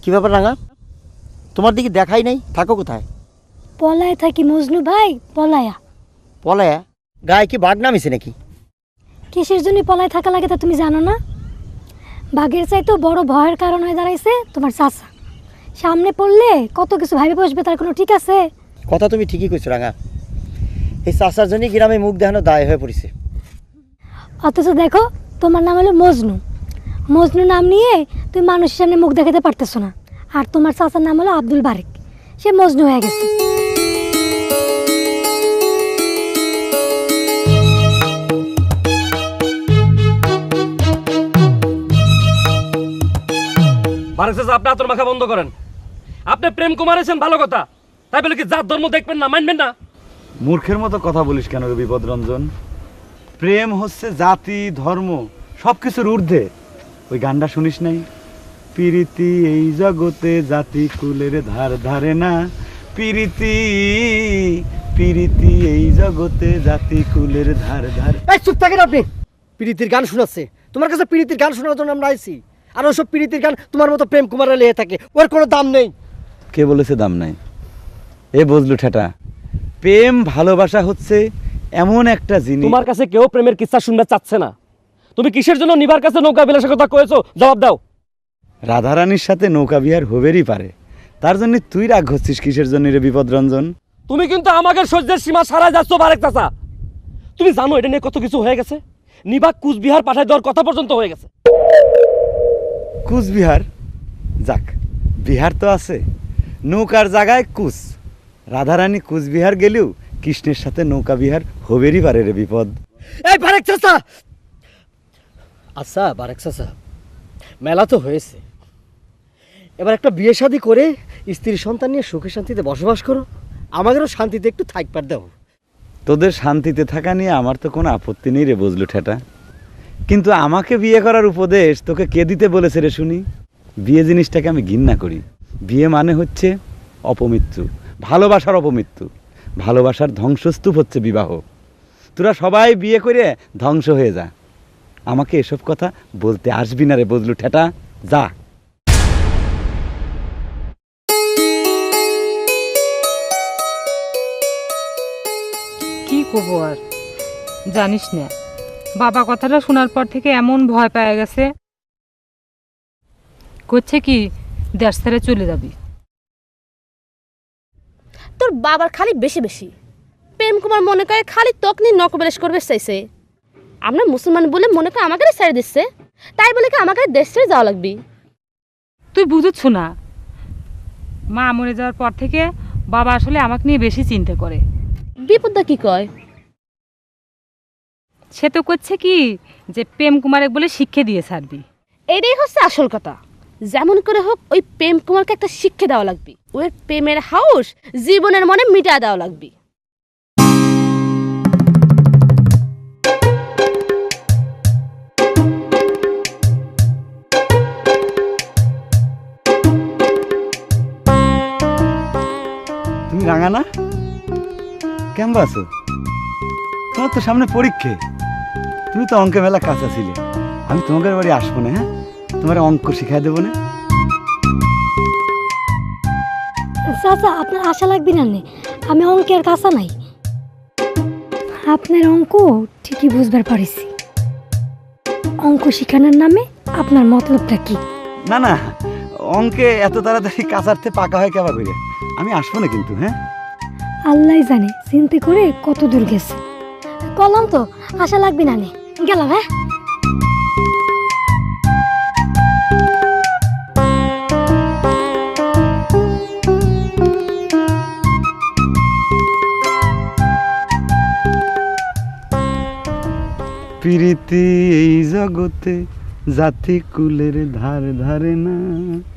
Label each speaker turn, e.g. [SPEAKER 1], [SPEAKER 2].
[SPEAKER 1] কি ব্যাপার রাঙা, তোমার দিকে দেখাই নাই, থাকো কোথায়?
[SPEAKER 2] পলায় থাকি মজনু ভাই, পলায়া।
[SPEAKER 1] পলায়া? গায়ে কি বাঘ নামিছে নাকি?
[SPEAKER 2] কিসের জন্য পলায় থাকা লাগে তা তুমি জানো না? বাঘের চাইতেও বড় ভয়ের কারণ হয়ে দাঁড়াইছে তোমার চাচা। সামনে পড়লে কত কিছু ভাবে বসবে, তার কোনো ঠিক আছে?
[SPEAKER 1] কথা তুমি ঠিকই কইছো রাঙা, এই চাচার জন্যই গ্রামে মুখ দেখানো দায় হয়ে পড়েছে।
[SPEAKER 2] অথচ দেখো, তোমার নাম হলো মজনু। মজনু নাম নিয়ে তুমি মানুষের সামনে মুখ দেখাতে পারতেছো না। আর তোমার চাচার নাম হলো আব্দুল বারেক, সে মজনু হয়ে গেছে।
[SPEAKER 3] বারেক চাচা, আপনি আতর মাখা বন্ধ করেন। আপনি প্রেম কুমার এসেন ভালো কথা, তাই বলে কি জাত ধর্ম দেখবেন না, মানবেন না?
[SPEAKER 4] মূর্খের মতো কথা বলিস কেন রে বিপদরঞ্জন? প্রেম হচ্ছে জাতি ধর্ম সব কিছুর ঊর্ধ্বে। ওই গানটা শুনিস নাই? প্রীতি এই জগতে জাতি কুলের ধার ধারে না, প্রীতি প্রীতি এই জগতে জাতি কুলের ধার ধারে।
[SPEAKER 5] এই চুপ থাকেন আপনি। প্রীতির গান শোনাচ্ছে তোমার কাছে? প্রীতির গান শোনার জন্য আমরা আইছি। আর ওসব প্রীতির গান তোমার মতো প্রেম কুমারে লেগে থাকে, ওর কোনো দাম নেই।
[SPEAKER 4] কে বলেছে দাম নাই? এ বুঝলু ঠেটা, প্রেম ভালোবাসা হচ্ছে এমন একটা জিনিস।
[SPEAKER 3] তোমার কাছে কেউ প্রেমের কিস্সা শুনতে চাচ্ছে না। তুমি কিসের জন্য নিবার কাছে নৌকা বিলাসের কথা কয়েছো, জবাব দাও।
[SPEAKER 4] রাধারানীর সাথে নৌকা বিহার হবেরই পারে, তার জন্য তুই রাগ হচ্ছিস কিসের জন্য রে বিপদরঞ্জন?
[SPEAKER 3] তুমি কিন্তু আমাকে সহ্যের সীমা ছাড়াই যাচ্ছ বারেক চাচা। তুমি জানো এটা নিয়ে কত কিছু হয়ে গেছে? নিবাক কুচবিহার পাঠায় দেওয়ার কথা পর্যন্ত হয়ে গেছে।
[SPEAKER 4] কুচবিহার যাক, বিহার তো আছে, নৌকার জায়গায় কুচ। রাধারানী কুচবিহার গেলেও কৃষ্ণের সাথে নৌকা বিহার হবেরই পারে রে বিপদ।
[SPEAKER 5] এই বারেক চাচা, আচ্ছা বারেক চাচা, মেলা তো হয়েছে, এবার একটা বিয়ে শাদী করে স্ত্রী সন্তান নিয়ে সুখে শান্তিতে বসবাস করো, আমাদেরও শান্তিতে একটু থাকবার দাও।
[SPEAKER 4] তোদের শান্তিতে থাকা নিয়ে আমার তো কোনো আপত্তি নেই রে বুঝলু ঠেটা, কিন্তু আমাকে বিয়ে করার উপদেশ তোকে কে দিতে বলেছে রে শুনি? বিয়ে জিনিসটাকে আমি ঘৃণা করি। বিয়ে মানে হচ্ছে অপমৃত্যু, ভালোবাসার অপমৃত্যু। ভালোবাসার ধ্বংসস্তূপ হচ্ছে বিবাহ। তোরা সবাই বিয়ে করে ধ্বংস হয়ে যা, আমাকে এসব কথা বলতে আসবি না রে বুঝলু ঠেটা, যা।
[SPEAKER 6] কি করবো আর, জানিস না, বাবা কথাটা শোনার পর থেকে এমন ভয় পেয়ে গেছে, করছে কি দেশ ছেড়ে চলে যাবি।
[SPEAKER 7] তোর বাবার খালি বেশি বেশি প্রেম কুমার মনে করে খালি ত্বক নিয়ে নকবেলেশ করবে চাইছে। আমরা মুসলমান বলে মনে করে আমাকে ছেড়ে দিচ্ছে, তাই বলে কি আমাকে দেশ ছেড়ে যাওয়া লাগবি?
[SPEAKER 6] তুই বুঝছ না, মা মরে যাওয়ার পর থেকে বাবা আসলে আমাকে নিয়ে বেশি চিন্তা করে।
[SPEAKER 7] বিপদটা কি কয়?
[SPEAKER 6] সে তো করছে কি যে প্রেম কুমারে বলে শিক্ষা দিয়ে ছাড়বি।
[SPEAKER 7] এটাই হচ্ছে আসল কথা। যেমন করে হোক ওই প্রেম কুমারকে একটা শিক্ষা দেওয়া লাগবে, ওই প্রেমের হাউস জীবনের মনে মিটা দেওয়া লাগবে।
[SPEAKER 4] তুমি রাঙা না? কেমন আছো? তোমার তো সামনে পরীক্ষা, তুমি তো অঙ্কে মেলা কাঁচা ছিলে। আমি তোমাদের বাড়ি আসবো না, হ্যাঁ? তোমার অঙ্ক শিখাই দেবো না?
[SPEAKER 2] চাচা, আপনার আশা লাগবে না নে, আমি অঙ্কের কাঁচা নাই। আপনার অঙ্ক ঠিকই বুঝবার পারিছি। অঙ্ক শিখানোর নামে আপনার মতলবটা কি?
[SPEAKER 4] না না, অঙ্কে এত তাড়াতাড়ি কাঁচারতে পাকা হয় কেবা করে। আমি আসবো না কিন্তু, হ্যাঁ?
[SPEAKER 2] আল্লাহ জানে চিন্তা করে কত দূর গেছে। কলম তো আশা লাগবে না নে, গেলাম। হ্যাঁ,
[SPEAKER 4] প্রীতি এই জগতে জাতি কুলের ধার ধারে না।